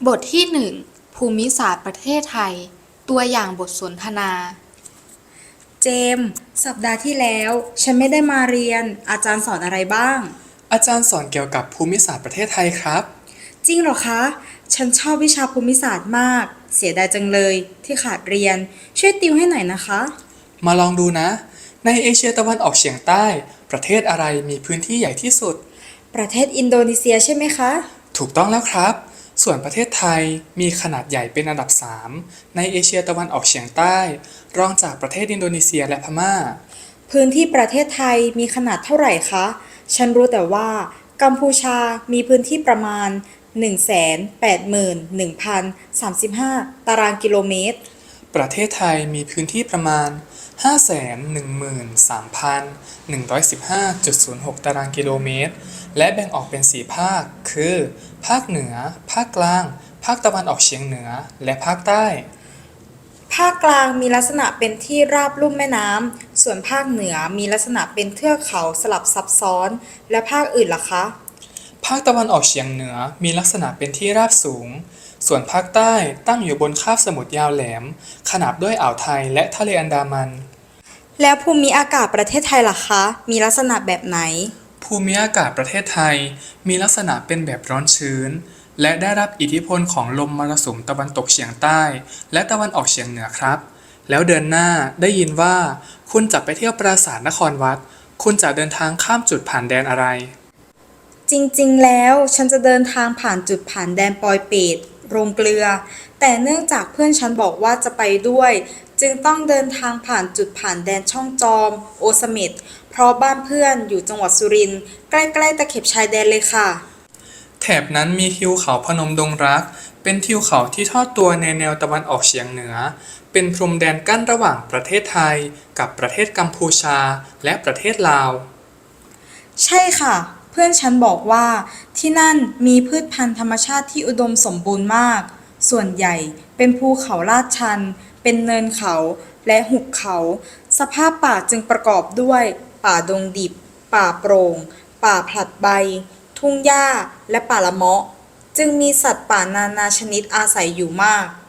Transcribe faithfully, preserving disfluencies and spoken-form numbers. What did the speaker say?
บทที่หนึ่งภูมิศาสตร์ประเทศไทยตัวอย่างบทสนทนาเจมส์สัปดาห์ที่แล้วฉันไม่ได้มาเรียนอาจารย์สอนอะไรบ้างอาจารย์สอนเกี่ยวกับภูมิศาสตร์ประเทศไทยครับจริงเหรอคะฉันชอบวิชาภูมิศาสตร์มากเสียดายจังเลยที่ขาดเรียนช่วยติวให้หน่อยนะคะมาลองดูนะในเอเชียตะวันออกเฉียงใต้ประเทศอะไรมีพื้นที่ใหญ่ที่สุดประเทศอินโดนีเซียใช่ไหมคะถูกต้องแล้วครับส่วนประเทศไทยมีขนาดใหญ่เป็นอันดับสามในเอเชียตะวันออกเฉียงใต้รองจากประเทศอินโดนีเซียและพม่าพื้นที่ประเทศไทยมีขนาดเท่าไหร่คะฉันรู้แต่ว่ากัมพูชามีพื้นที่ประมาณ หนึ่งแสนแปดหมื่นหนึ่งพันสามสิบห้า ตารางกิโลเมตรประเทศไทยมีพื้นที่ประมาณ ห้าแสนหนึ่งหมื่นสามพันหนึ่งร้อยสิบห้าจุดศูนย์หก ตารางกิโลเมตรและแบ่งออกเป็นสี่ภาคคือภาคเหนือภาคกลางภาคตะวันออกเฉียงเหนือและภาคใต้ภาคกลางมีลักษณะเป็นที่ราบลุ่มแม่น้ำ ส่วนภาคเหนือมีลักษณะเป็นเทือกเขาสลับซับซ้อน และภาคอื่นล่ะคะภาคตะวันออกเฉียงเหนือมีลักษณะเป็นที่ราบสูงส่วนภาคใต้ตั้งอยู่บนคาบสมุทรยาวแหลมขนาบด้วยอ่าวไทยและทะเลอันดามันแล้วภูมิอากาศประเทศไทยล่ะคะ มีลักษณะแบบไหนภูมิอากาศประเทศไทยมีลักษณะเป็นแบบร้อนชื้นและได้รับอิทธิพลของลมมรสุมตะวันตกเฉียงใต้และตะวันออกเฉียงเหนือครับแล้วเดือนหน้าได้ยินว่าคุณจะไปเที่ยวปราสาทนครวัดคุณจะเดินทางข้ามจุดผ่านแดนอะไรจริงๆ แล้วฉันจะเดินทางผ่านจุดผ่านแดนปอยเปตโรงเกลือ แต่เนื่องจากเพื่อนฉันบอกว่าจะไปด้วย จึงต้องเดินทางผ่านจุดผ่านแดนช่องจอม โอเสเม็ดเพราะบ้านเพื่อนอยู่จังหวัดสุรินทร์ใกล้ๆตะเข็บชายแดนเลยค่ะแถบนั้นมีทิวเขาพนมดงรักเป็นทิวเขาที่ทอดตัวในแนวตะวันออกเฉียงเหนือเป็นพรมแดนกั้นระหว่างประเทศไทยกับประเทศกัมพูชาและประเทศลาวใช่ค่ะ เพื่อนฉันบอกว่าที่นั่นมีพืชพันธุ์ธรรมชาติที่อุดมสมบูรณ์มาก ส่วนใหญ่เป็นภูเขาลาดชัน เป็นเนินเขาและหุบเขา สภาพป่าจึงประกอบด้วยป่าดงดิบ ป่าโปร่ง ป่าผลัดใบ ทุ่งหญ้าและป่าละเมาะ จึงมีสัตว์ป่านานาชนิดอาศัยอยู่มาก